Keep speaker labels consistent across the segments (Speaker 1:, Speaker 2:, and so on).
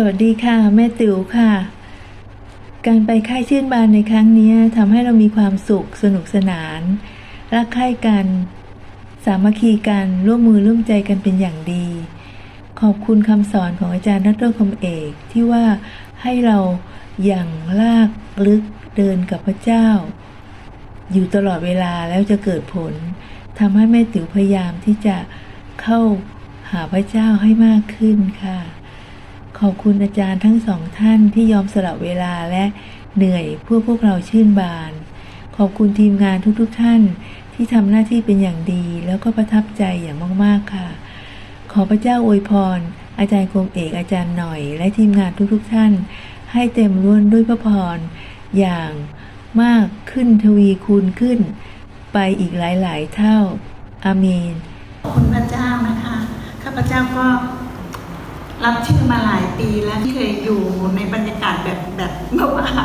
Speaker 1: วัสดีค่ะแม่ติ๋วค่ะการไปค่ายชื่นบานในครั้งนี้ทำให้เรามีความสุขสนุกสนานรักใคร่กันสามัคคีกันร่วมมือร่วมใจกันเป็นอย่างดีขอบคุณคำสอนของอาจารย์ดร.คมเอกที่ว่าให้เราอย่างลากลึกเดินกับพระเจ้าอยู่ตลอดเวลาแล้วจะเกิดผลทำให้แม่ติ๋วพยายามที่จะเข้าหาพระเจ้าให้มากขึ้นค่ะขอบคุณอาจารย์ทั้งสองท่านที่ยอมสละเวลาและเหนื่อยเพื่อพวกเราชื่นบานขอบคุณทีมงานทุกท่านที่ทำหน้าที่เป็นอย่างดีแล้วก็ประทับใจอย่างมากๆค่ะขอพระเจ้าอวยพรอาจารย์คมเอกอาจารย์หน่อยและทีมงานทุกท่านให้เต็มล้วนด้วยพระพรอย่างมากขึ้นทวีคูณขึ้นไปอีกหลายๆเท่าอาเมน
Speaker 2: ขอบคุณพระเจ้านะคะข้าพเจ้าก็รับชื่อมาหลายปีแล้วที่เคยอยู่ในบรรยากาศแบบเมื่อวาน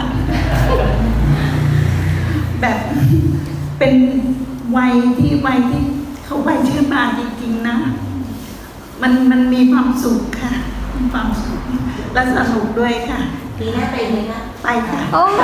Speaker 2: แบบเป็นวัยที่เขาวัยชื่นบานจริงๆนะมันมีความสุขค่ะมีความสุขและสนุกด้วยค่ะ
Speaker 3: ปีหน้าไปไหมคะ
Speaker 2: ไปค่ะ
Speaker 3: โอ้โห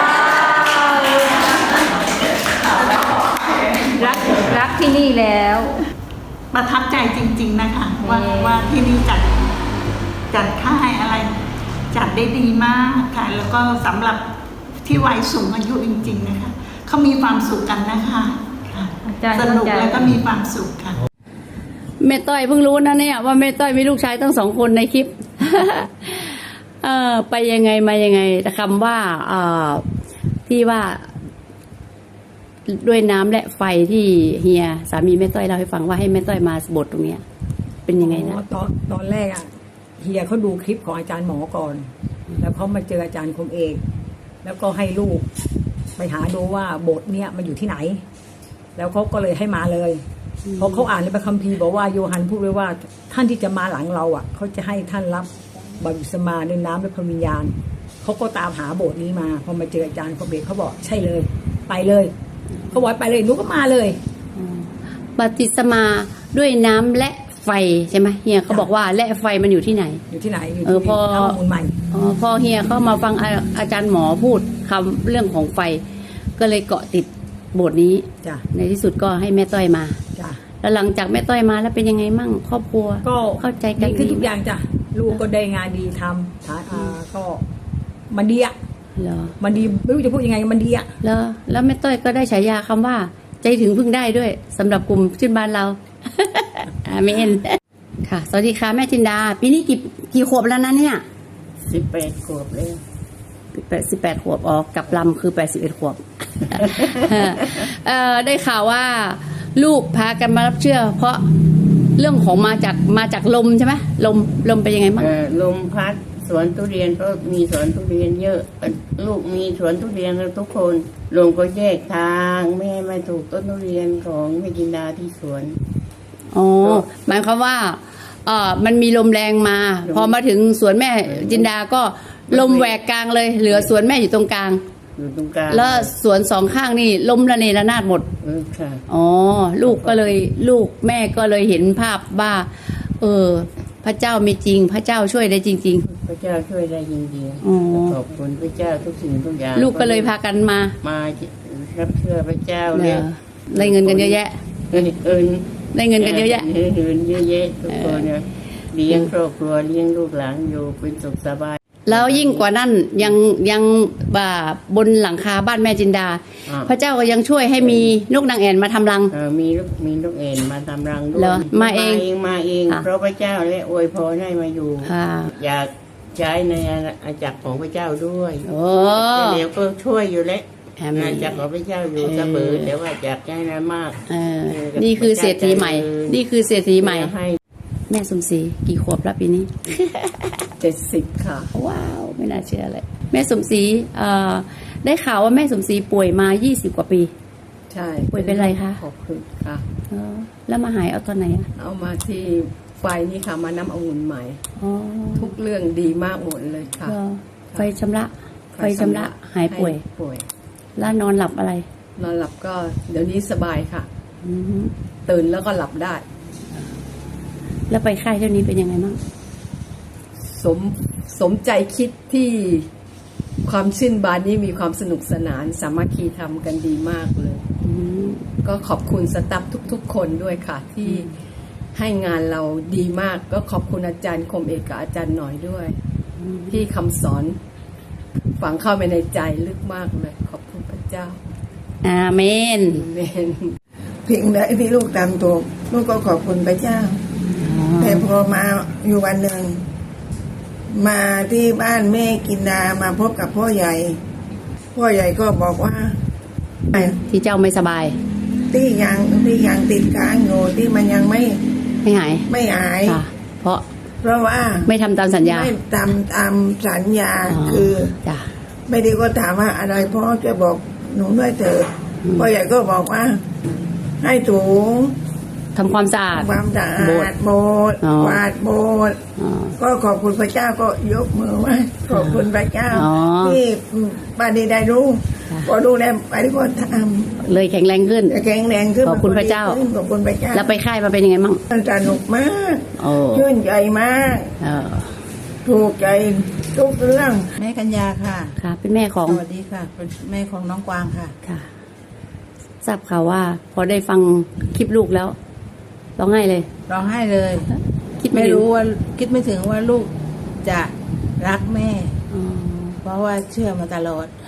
Speaker 3: รักที่นี่แล้ว
Speaker 2: ประทับใจจริงๆนะคะว่าที่นี่จัดค่ายอะไรจัดได้ดีมากค่ะแล้วก็สำหรับที่วัยสูงอายุจริงๆนะคะเขามีความสุขกันนะคะสนุกแล้วก็มีความสุขค่ะ
Speaker 3: แม่ต้อยเพิ่งรู้นะเนี่ยว่าแม่ต้อยมีลูกชายทั้ง2 คนในคลิป ไปยังไงมายังไงแต่คำว่าที่ว่าด้วยน้ำและไฟที่เฮียสามีแม่ต้อยเล่าให้ฟังว่าให้แม่ต้อยมาบทตรงเนี้ยเป็นยังไงนะ
Speaker 4: ตอนแรกเฮียเขาดูคลิปของอาจารย์หมอก่อนแล้วเขามาเจออาจารย์คมเอกแล้วก็ให้ลูกไปหาดูว่าบทเนี้ยมันอยู่ที่ไหนแล้วเขาก็เลยให้มาเลยเพราะเขาอ่านในพระคัมภีร์บอกว่าโยฮันพูดไว้ว่าท่านที่จะมาหลังเราเขาจะให้ท่านรับบัพติศมาด้วยน้ำและพระวิญญาณเขาก็ตามหาบทนี้มาพอมาเจออาจารย์คมเอกเขาบอกใช่เลยไปเลยเขาบอกไปเลยหนูก็มาเลย
Speaker 3: บัพติศมาด้วยน้ำและไฟใช่ไหมเฮียเขาบอกว่าและไฟมันอยู่ที่ไหน
Speaker 4: อยู่ที่ไหนอยู่ที่
Speaker 3: พอ
Speaker 4: มูลใหม่
Speaker 3: พอเฮียเข้ามาฟังอาจารย์หมอพูดคำเรื่องของไฟก็เลยเกาะติดบทนี้ในที่สุดก็ให้แม่ต้อยมาแล้วหลังจากแม่ต้อยมาแล้วเป็นยังไงมั่งครอบครัว
Speaker 4: ก็
Speaker 3: เข้าใจกัน
Speaker 4: คือทุกอย่างจ้ะลูกก็ได้งานดีทำก็มันดีมันดีไม่รู้จะพูดยังไงมันดี
Speaker 3: แล้วแม่ต้อยก็ได้ฉายาคำว่าใจถึงพึ่งได้ด้วยสำหรับกลุ่มชื่นบานเรา อาเมนค่ะสวัสดีค่ะแม่จินดาปีนี้กี่ขวบแล้วนะเนี่ย
Speaker 4: 18 ขวบเลย
Speaker 3: 18 ขวบออกกับลำคือ81 ขวบ ได้ข่าวว่าลูกพากันมารับเชื่อเพราะเรื่องของมาจากลมใช่ไหมลมเป็นยังไงบ้าง
Speaker 5: ลมพัดสวนทุเรียนก็มีสวนทุเรียนเยอะลูกมีสวนทุเรียนทุกคนลมก็แยกทางไม่ให้มาถูกต้นทุเรียนของแม่จินดาที่สวน
Speaker 3: อ๋อหมายความว่ามันมีลมแรงมาพอมาถึงสวนแม่จินดาก็ลมแหวกกลางเลยเหลือสวนแม่อยู่ตรงกลางแล้วสวน2 ข้างนี่ลมระเนระนาดหมด
Speaker 5: ค่ะ
Speaker 3: อ๋อลูกแม่ก็เลยเห็นภาพว่าพระเจ้ามีจริงพระเจ้าช่วยได้จริง
Speaker 5: ๆพระเจ้าช่วยได้จริงๆขอบคุณพระเจ้าทุกสิ่งทุกอย่าง
Speaker 3: ลูกก็เลยพากันมา
Speaker 5: รับเชื่อพระเจ้าเนี่ย
Speaker 3: ได้เงินกันเยอะแยะได้เงินกันเยอะแยะ
Speaker 5: เงินเยอะแยะทุกคนเนี่ยเลี้ยงครอบครัวเลี้ยงลูกหลานอยู่เป็นสุขสบาย
Speaker 3: แล้วยิ่งกว่านั้นยังบนหลังคาบ้านแม่จินดาพระเจ้าก็ยังช่วยให้มีนกนางแอ่นมาทำรัง
Speaker 5: มีนกแอ่นมาทำรังด้วย
Speaker 3: มาเอง
Speaker 5: เพราะพระเจ้าและอวยพรให้มาอยู่อยากใช้ในอาณาจักรของพระเจ้าด้วยเดี๋ยวก็ช่วยอยู่แล้วอาณาจักรของพระเจ้าอยู่เสมอแต่ว่าอยากให้นั้นมาก
Speaker 3: นี่คือเศรษฐีใหม่แม่สมศรีกี่ขวบแล้วปีนี้
Speaker 4: 70ค่ะ
Speaker 3: ว้าวไม่น่าเชื่อเลยแม่สมศรีได้ข่าวว่าแม่สมศรีป่วยมา20 กว่าปี
Speaker 4: ใช่
Speaker 3: ป่วยเป็นอะไรคะ
Speaker 4: ขอบคุณค่ะ
Speaker 3: แล้วมาหายเอาตอนไหน
Speaker 4: เอามาที่ไฟนี่ค่ะมาน้ำองุ่นใหม่ทุกเรื่องดีมากหมดเลยค่ะ
Speaker 3: ไฟชำระหายป่วยแล้วนอนหลับอะไร
Speaker 4: นอนหลับก็เดี๋ยวนี้สบายค่ะตื่นแล้วก็หลับได้
Speaker 3: แล้วไปค่ายเท่านี้เป็นยังไงบ้าง
Speaker 4: สม
Speaker 6: สมใจคิดที่ความชื่นบานนี้มีความสนุกสนานสามัคคีทำกันดีมากเลยก็ขอบคุณสตาฟทุกๆคนด้วยค่ะที่ให้งานเราดีมากก็ขอบคุณอาจารย์คมเอกกับอาจารย์หน่อยด้วยที่คำสอนฝังเข้าไปในใจลึกมากเลยขอบคุณพระเจ้า
Speaker 3: อาเมน
Speaker 6: อาเมน
Speaker 7: เพียงใดที่ลูกตามถูกลูกก็ขอบคุณพระเจ้าแต่พอมาอยู่วันหนึ่งมาที่บ้านแม่กินดามาพบกับพ่อใหญ่ก็บอกว่า
Speaker 3: ที่เจ้าไม่สบาย
Speaker 7: ที่ยังติดค้างอยู่ที่มันยังไม่
Speaker 3: หาย
Speaker 7: ไม่หาย
Speaker 3: ค่ะ เพราะ
Speaker 7: เพราะว่า
Speaker 3: ไม่ทำตามสัญญา
Speaker 7: ไม่ทำตามสัญญา
Speaker 3: อ๋อ
Speaker 7: คือ
Speaker 3: จ้ะ
Speaker 7: ไม่ได้ก็ถามว่าอะไรพ่อจะบอกหนูด้วยเถิดพ่อใหญ่ก็บอกว่า ให้ถู
Speaker 3: ทำความสะอาด
Speaker 7: ความสะอาดโบสถ์
Speaker 3: อ๋อ
Speaker 7: กวาดโบสถ์
Speaker 3: อ๋อ
Speaker 7: ก็ขอบคุณพระเจ้าก็ยกมือไหว้ขอบคุณพระเจ้า
Speaker 3: อ๋อ
Speaker 7: ที่ปาดีได้รู้
Speaker 3: ค่ะ
Speaker 7: ก็ดูแลไปที่พ่อท
Speaker 3: เลยแข็งแรงขึ้น
Speaker 7: ำแข็งแรงขึ้น
Speaker 3: ขอบคุณพระเจ้า
Speaker 7: ขอบคุณพระเจ้า
Speaker 3: แล้วไปค่ายมาเป็นยังไงมั่ง
Speaker 7: มันสนุกมาก
Speaker 3: โอ้
Speaker 7: ชื่นใจมาก
Speaker 3: เออ
Speaker 7: ถูกใจทุกเรื่อง
Speaker 8: แม่กัญญาค่ะ
Speaker 3: ค่ะ เป็นแม่ของ
Speaker 8: สวัสดีค่ะ เป็นแม่ของน้องกวางค่ะ
Speaker 3: ค่ะ ทราบข่าวว่า พอได้ฟังคลิปลูกแล้วร้องไห้เลย
Speaker 8: ร้องไห้เลย
Speaker 3: คิดไม่
Speaker 8: ไม่
Speaker 3: ถึง
Speaker 8: รู้ว่าคิดไม่ถึงว่าลูกจะรักแม่
Speaker 3: อ๋อ
Speaker 8: เพราะว่าเชื่อมาตลอด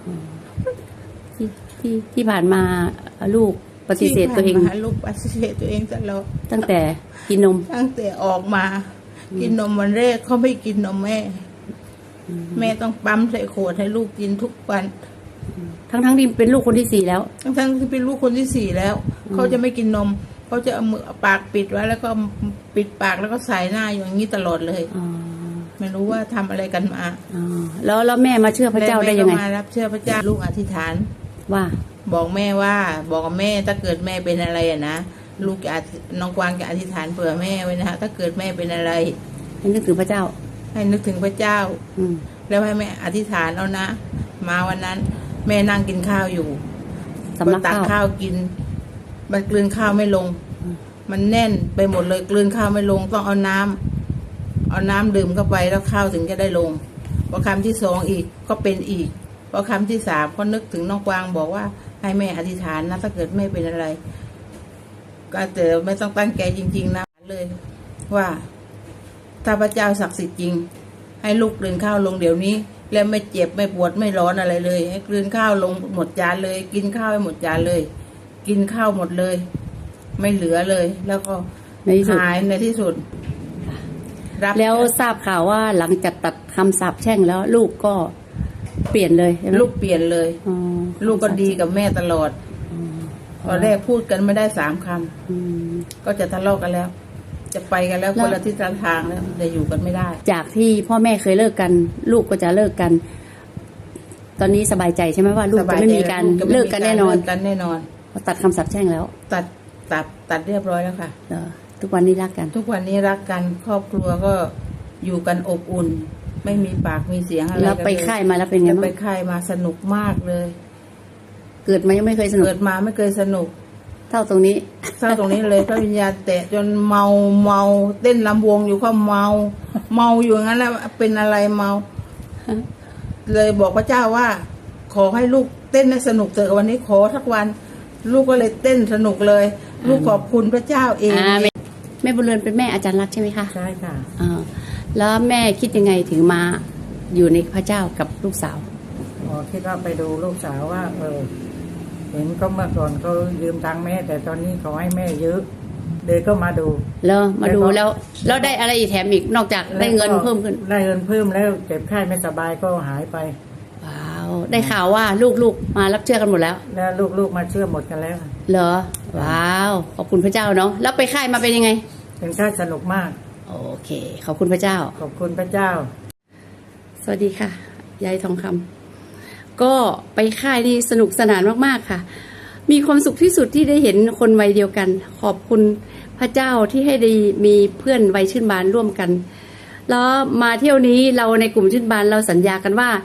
Speaker 3: ที่ผ่านมาลูกปฏิเสธตัวเอง
Speaker 8: ที่ผ่านมาลูกปฏิเสธตัวเองตลอด
Speaker 3: ตั้งแต่กินนม
Speaker 8: ตั้งแต่ออกมา กินนมวันแรกเขาไม่กินนมแม่ แม่ต้องปั๊มใส่ขวดให้ลูกกินทุกวัน
Speaker 3: ทั้งที่เป็นลูกคนที่4แล้ว
Speaker 8: ทั้งที่เป็นลูกคนที่ 4แล้วเขาจะไม่กินนมเขาจะเอามือเอาปากปิดไว้แล้วก็ปิดปากแล้วก็ใส่หน้าอย่างนี้ตลอดเลย
Speaker 3: อ๋อ
Speaker 8: ไม่รู้ว่าทำอะไรกันมา
Speaker 3: อ๋อแล้วแม่มาเชื่อพระเจ้าได้ยังไง
Speaker 8: แม่ก็มารับเชื่อพระเจ้าลูกอธิษฐาน
Speaker 3: ว่า
Speaker 8: บอกแม่ว่าบอกกับแม่ถ้าเกิดแม่เป็นอะไรอะนะลูกจะน้องกวางจะอธิษฐานเผื่อแม่ไว้นะฮะถ้าเกิดแม่เป็นอะไร
Speaker 3: ให้นึกถึงพระเจ้า
Speaker 8: ให้นึกถึงพระเจ้า
Speaker 3: อืม
Speaker 8: แล้วให้แม่อธิษฐานเอานะ มาวันนั้น แม่นั่งกินข้าวอยู่
Speaker 3: สำลัก
Speaker 8: ตัก
Speaker 3: ข้าว
Speaker 8: ข้าวกิน มันกลืนข้าวไม่ลง มันแน่นไปหมดเลยกลืนข้าวไม่ลงต้องเอาน้ำดื่มเข้าไปแล้วข้าวถึงจะได้ลงพอคำที่2อีกก็เป็นอีกพอคำที่3ก็นึกถึงน้องกวางบอกว่าให้แม่อธิษฐานนะถ้าเกิดแม่เป็นอะไร ก็แต่ไม่ต้องตั้งใจจริงๆนะเลย ว่าถ้าพระเจ้าศักดิ์สิทธิ์จริง ให้ลูกกลืนข้าวลงเดี๋ยวนี้ แล้วไม่เจ็บไม่ปวดไม่ร้อนอะไรเลย ให้กลืนข้าวลงหมดจานเลย กินข้าวให้หมดจานเลย กินข้าวหมดเลย ไม่เหลือเลย แล้วก็
Speaker 3: ในที่สุด
Speaker 8: หายในที่สุดรับ
Speaker 3: แล้วทราบข่าวว่าหลังจากตัดคำสาปแช่งแล้ว ลูกก็เปลี่ยนเลยใช่ไหม
Speaker 8: ลูกเปลี่ยนเลย
Speaker 3: อ๋อ
Speaker 8: ลูกก็ดีกับแม่ตลอดตอนแรกพูดกันไม่ได้3 ค
Speaker 3: อืม
Speaker 8: ำก็จะทะเลาะกันแล้ว จะไปกันแล้ว
Speaker 3: แล้ว
Speaker 8: คนละทิศทางแล้วจะอยู่กันไม่ได้
Speaker 3: จากที่พ่อแม่เคยเลิกกัน ลูกก็จะเลิกกัน ตอนนี้สบายใจใช่ไหมว่าลูกจะไม่มีการ
Speaker 8: สบยใจ
Speaker 3: เลิกกันแน่นอน
Speaker 8: เลิกกันแน่นอน
Speaker 3: พอตัดคำสาปแช่งแล้ว
Speaker 8: ตัดเรียบร้อยแล้วค่ะ
Speaker 3: เหรอทุกวันนี้รักกัน
Speaker 8: ทุกวันนี้รักกันครอบครัวก็อยู่กันอบอุ่น ไม่มีปากมีเสียงอะไร
Speaker 3: แล้วไป
Speaker 8: กันเลย
Speaker 3: ค่ายมาแล้วเป็นไง
Speaker 8: แล้วไป
Speaker 3: บ้าง
Speaker 8: ค่ายมาสนุกมากเลย
Speaker 3: เกิดมายังไม่เคยสนุก
Speaker 8: เกิดมาไม่เคยสนุก
Speaker 3: เท่าตรงนี้
Speaker 8: เศร้าตรงนี้เลยพระวิญญาณแตะจนเมาเต้นลำวงอยู่ก็เมาอยู่อย่างนั้นแหละเป็นอะไรเมา เลยบอกพระเจ้าว่า ขอให้ลูกเต้นให้สนุกเถอะวันนี้ขอทักวัน ลูกก็เลยเต้นสนุกเลย ลูกขอบคุณพระเจ้าเอง
Speaker 3: แม่บุญเรือนเป็นแม่อาจารย์รักใช่ไหมคะ
Speaker 4: ใช่ค่ะ
Speaker 3: อ่าแล้วแม่คิดยังไงถึงมาอยู่ในพระเจ้ากับลูกสาว
Speaker 4: คิดว่าไปดูลูกสาวว่า เห็นก็เมื่อก่อนเขายืมตังค์แม่ แต่ตอนนี้เขาให้แม่เยอะเด็กก็มาดู
Speaker 3: แล้วมาดู
Speaker 4: แล้วก็
Speaker 3: แล้วได้อะไรอีกแถมอีกนอกจากได้เงินเพิ่มขึ้น
Speaker 4: ได้เงินเพิ่มแล้วเจ็บไข้ไม่สบายก็หายไป
Speaker 3: ว้าวได้ข่าวว่าลูกๆมารับเชื่อกันหมดแล้ว
Speaker 4: แล้วลูกๆมาเชื่อหมดกันแล้ว
Speaker 3: เหรอว้าวขอบคุณพระเจ้าเนาะแล้วไปค่ายมาเป็นยังไง
Speaker 4: เป็นค่าสนุกมาก
Speaker 3: โอเค ขอบคุณพระเจ้า
Speaker 4: ขอบคุณพระเจ้า
Speaker 3: สวัสดีค่ะยายทองคำก็ไปค่ายนี่สนุกสนานมากๆค่ะ มีความสุขที่สุดที่ได้เห็นคนวัยเดียวกัน ขอบคุณพระเจ้าที่ให้ได้มีเพื่อนวัยชื่นบานร่วมกัน แล้วมาเที่ยวนี้เราในกลุ่มชื่นบานเราสัญญากันว่า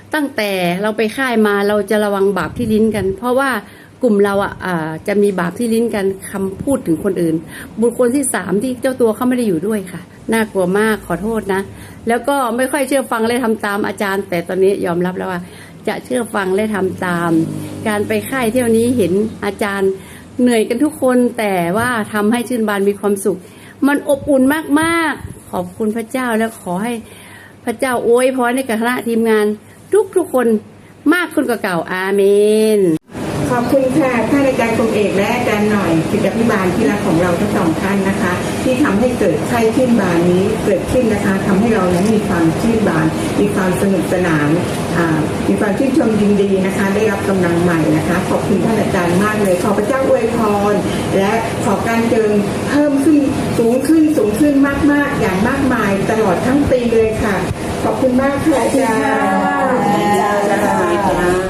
Speaker 3: ตั้งแต่เราไปค่ายมาเราจะระวังบาปที่ลิ้นกัน เพราะว่ากลุ่มเราจะมีบาปที่ลิ้นกันคำพูดถึงคนอื่น บุคคลที่3ที่เจ้าตัวเขาไม่ได้อยู่ด้วยค่ะน่ากลัวมากขอโทษนะแล้วก็ไม่ค่อยเชื่อฟังและทำตามอาจารย์ แต่ตอนนี้ยอมรับแล้วว่าจะเชื่อฟังและทำตาม การไปค่ายเที่ยวนี้เห็นอาจารย์เหนื่อยกันทุกคนแต่ว่าทำให้ชื่นบานมีความสุขมันอบอุ่นมากๆขอบคุณพระเจ้าแล้วขอให้พระเจ้าอวยพรให้กับคณะทีมงานทุกคนมากขึ้นกว่าเก่าอาเมน
Speaker 9: ขอบคุณค่ะท่านอาจารย์คงเอกและอาจารย์หน่อยศิษยาภิบาลที่รักของเราทั้ง2 ท่านนะคะ ที่ทำให้เกิดไข้ชื่นบานนี้เกิดขึ้นนะคะทำให้เรานั้นมีความชื่นบานมีความสนุกสนานมีความชื่นชมยินดีนะคะได้รับกำลังใหม่นะคะขอบคุณท่านอาจารย์มากเลยขอพระเจ้าอวยพรและขอการเจิมเพิ่มขึ้นสูงขึ้นมากๆอย่างมากมายตลอดทั้งปีเลยค่ะขอบคุณมากค่ะอาจารย์